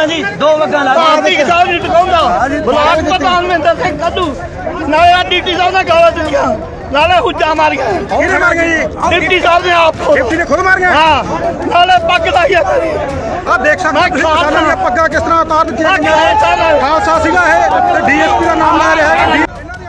ਜੀ ਦੋ ਵਗਾਂ ਲਾ ਭਾਰਤੀ ਕਿਸਾਨ ਨਹੀਂ ਟਿਕਾਉਂਦਾ ਬਲਾਕ ਪ੍ਰਧਾਨ ਮਹਿੰਦਰ ਸਿੰਘ ਕੱਢੂ ਨਾਲੇ ਆ ਡੀਟੀ ਸਾਹਿਬ ਨੇ ਗਾਲਾਂ ਦਿੱਤੀਆਂ ਨਾਲੇ ਹੁੱਜਾ ਮਾਰੀਆਂ ਕਿਹਨੇ ਮਾਰ ਗਏ ਜੀ? ਡਿਪਟੀ ਸਾਹਿਬ ਨੇ ਆਪ ਡਿਪਟੀ ਨੇ ਖੁਦ ਮਾਰ ਗਿਆ। ਹਾਂ ਨਾਲੇ ਪੱਗ ਲਾਈਆ ਕਰੀ ਆ ਦੇਖ ਸਕਦੇ ਹੋ ਤੁਸੀਂ ਕਿਸਾਨਾਂ ਦੀਆਂ ਪੱਗਾਂ ਕਿਸ ਤਰ੍ਹਾਂ ਉਤਾਰ ਦਿੱਤੀਆਂ ਗਈਆਂ ਨੇ। ਖਾਲਸਾ ਸੀਗਾ ਇਹ ਤੇ ਡੀਐਸਪੀ ਦਾ ਨਾਮ ਲੈ ਰਿਹਾ ਹੈ।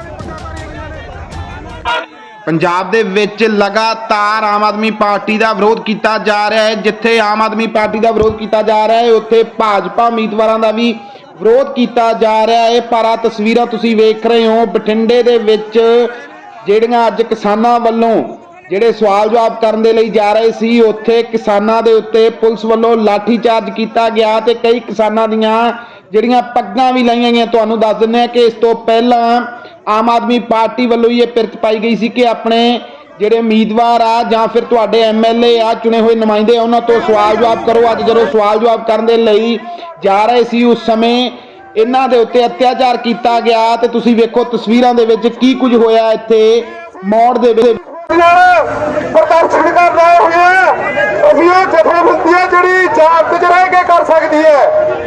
ਪੰਜਾਬ ਦੇ ਵਿੱਚ ਲਗਾਤਾਰ ਆਮ ਆਦਮੀ ਪਾਰਟੀ ਦਾ ਵਿਰੋਧ ਕੀਤਾ ਜਾ ਰਿਹਾ ਹੈ। ਜਿੱਥੇ ਆਮ ਆਦਮੀ ਪਾਰਟੀ ਦਾ ਵਿਰੋਧ ਕੀਤਾ ਜਾ ਰਿਹਾ ਹੈ ਉੱਥੇ ਭਾਜਪਾ ਉਮੀਦਵਾਰਾਂ ਦਾ ਵੀ ਵਿਰੋਧ ਕੀਤਾ ਜਾ ਰਿਹਾ ਹੈ। ਪਰ ਆ ਤਸਵੀਰਾਂ ਤੁਸੀਂ ਵੇਖ ਰਹੇ ਹੋ ਬਠਿੰਡੇ ਦੇ ਵਿੱਚ ਜਿਹੜੀਆਂ ਅੱਜ ਕਿਸਾਨਾਂ ਵੱਲੋਂ ਜਿਹੜੇ ਸਵਾਲ ਜਵਾਬ ਕਰਨ ਦੇ ਲਈ ਜਾ ਰਹੇ ਸੀ, ਉੱਥੇ ਕਿਸਾਨਾਂ ਦੇ ਉੱਤੇ ਪੁਲਿਸ ਵੱਲੋਂ ਲਾਠੀ ਚਾਰਜ ਕੀਤਾ ਗਿਆ ਤੇ ਕਈ ਕਿਸਾਨਾਂ ਦੀਆਂ ਜਿਹੜੀਆਂ ਪੱਗਾਂ ਵੀ ਲਾਈਆਂ ਗਈਆਂ। ਤੁਹਾਨੂੰ ਦੱਸ ਦਿੰਦੇ ਹਾਂ ਕਿ ਇਸ ਤੋਂ ਪਹਿਲਾਂ ਆਮ ਆਦਮੀ ਪਾਰਟੀ ਵੱਲੋਂ ਇਹ ਪਿਰਤ ਪਾਈ ਗਈ ਸੀ ਕਿ ਆਪਣੇ ਜਿਹੜੇ ਉਮੀਦਵਾਰ ਆ ਜਾਂ ਫਿਰ ਤੁਹਾਡੇ ਐਮਐਲਏ ਆ ਚੁਣੇ ਹੋਏ ਨੁਮਾਇੰਦੇ ਆ ਉਹਨਾਂ ਤੋਂ ਸਵਾਲ ਜਵਾਬ ਕਰੋ। ਅੱਜ ਜਦੋਂ ਸਵਾਲ ਜਵਾਬ ਕਰਨ ਦੇ ਲਈ ਜਾ ਰਹੇ ਸੀ ਉਸ ਸਮੇਂ ਇਹਨਾਂ ਦੇ ਉੱਤੇ ਅਤਿਆਚਾਰ ਕੀਤਾ ਗਿਆ ਤੇ ਤੁਸੀਂ ਵੇਖੋ ਤਸਵੀਰਾਂ ਦੇ ਵਿੱਚ ਕੀ ਕੁਝ ਹੋਇਆ ਇੱਥੇ ਮੋੜ ਦੇ ਵਿੱਚ। ਪ੍ਰਦਰਸ਼ਨ ਕਰ ਰਹੇ ਹੋਏ ਅਸੀਂ ਇਹ ਜਥੇਬੰਦੀਆਂ ਜਿਹੜੀ ਜਾਤ ਚ ਰਹਿ ਕੇ ਕਰ ਸਕਦੀ ਹੈ।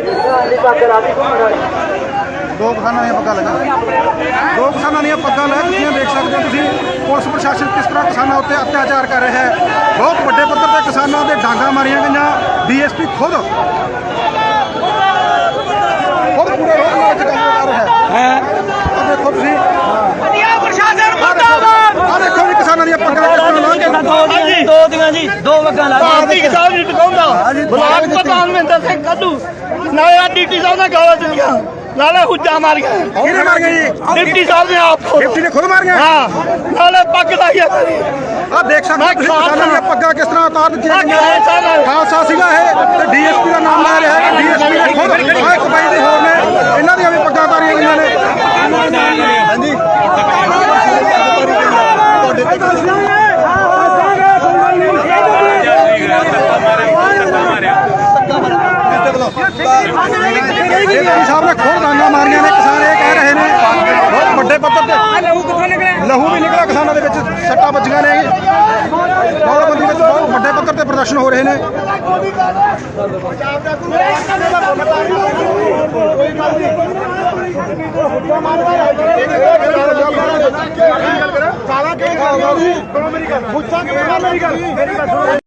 ਦੋ ਕਿਸਾਨਾਂ ਦੀਆਂ ਪੱਗਾਂ ਲੈ ਤੁਸੀਂ ਦੇਖ ਸਕਦੇ ਹੋ। ਤੁਸੀਂ ਪੁਲਿਸ ਪ੍ਰਸ਼ਾਸਨ ਕਿਸ ਤਰ੍ਹਾਂ ਕਿਸਾਨਾਂ ਉੱਤੇ ਅਤਿਆਚਾਰ ਕਰ ਰਿਹਾ ਹੈ। ਬਹੁਤ ਵੱਡੇ ਪੱਧਰ ਤੇ ਕਿਸਾਨਾਂ ਦੇ ਡਾਂਗਾਂ ਮਾਰੀਆਂ ਗਈਆਂ। ਡੀਐਸਪੀ ਖੁਦ ਪੂਰੇ ਰੋਡ ਨਾਲ ਕੰਮ ਕਰ ਰਿਹਾ ਹੈ। ਆ ਦੇਖੋ ਤੁਸੀਂ ਆ ਦੇਖੋ ਵੀ ਕਿਸਾਨਾਂ ਦੀਆਂ ਪੱਗਾਂ ਕਿਸ ਤਰ੍ਹਾਂ ਲਾ ਕੇ ਦੋ ਦੀਆਂ ਜੀ ਦੋ ਵਗਾਂ ਲਾ ਭਾਰਤੀ ਕਿਸਾਨ ਨਹੀਂ ਟਿਕਾਉਂਦਾ ਬਲਾਕ ਪ੍ਰਧਾਨ ਮਹਿੰਦਰ ਸਿੰਘ ਕੱਢੂ ਨਾਲੇ ਆ ਡੀਟੀ ਸਾਹਿਬ ਨੇ ਗਾਲਾਂ ਦਿੱਤੀਆਂ ਨਾਲੇ ਹੁੱਜਾ ਮਾਰੀਆਂ ਕਿਹਨੇ ਮਾਰ ਗਏ ਜੀ? ਡਿਪਟੀ ਸਾਹਿਬ ਨੇ ਆਪ ਡਿਪਟੀ ਨੇ ਖੁਦ ਮਾਰ ਗਿਆ। ਹਾਂ ਨਾਲੇ ਪੱਗ ਲਾਈਆ ਕਰੀ ਆ ਦੇਖ ਸਕਦੇ ਹੋ ਤੁਸੀਂ ਕਿਸਾਨਾਂ ਦੀਆਂ ਪੱਗਾਂ ਕਿਸ ਤਰ੍ਹਾਂ ਉਤਾਰ ਦਿੱਤੀਆਂ ਗਈਆਂ। ਖਾਲਸਾ ਸੀਗਾ ਇਹ ਤੇ ਡੀਐਸਪੀ ਦਾ ਨਾਮ ਲੈ ਰਿਹਾ ਹੈ। ਡੀਐਸਪੀ ਨੇ ਖੁਦ ਆਹ ਇੱਕ ਬਾਈ ਦੇ ਹੋਰ ਨੇ ਇਹਨਾਂ ਦੀਆਂ ਵੀ ਪੱਗਾਂ ਉਤਾਰੀਆਂ ਗਈਆਂ ਨੇ। ਹਾਂਜੀ ਸਾਹਿਬ ਨੇ ਖੁਦ ਡਾਂਗਾਂ ਮਾਰੀਆਂ ਨੇ। ਕਿਸਾਨ ਇਹ ਕਹਿ ਰਹੇ ਨੇ ਬਹੁਤ ਵੱਡੇ ਪੱਧਰ ਤੇ ਲਹੂ ਵੀ ਨਿਕਲਿਆ ਕਿਸਾਨਾਂ ਦੇ ਵਿੱਚ ਸੱਟਾਂ ਵੱਜੀਆਂ ਨੇ। ਦੌੜਬੰਦੀ ਵਿੱਚ ਬਹੁਤ ਵੱਡੇ ਪੱਧਰ ਤੇ ਪ੍ਰਦਰਸ਼ਨ ਹੋ ਰਹੇ ਨੇ।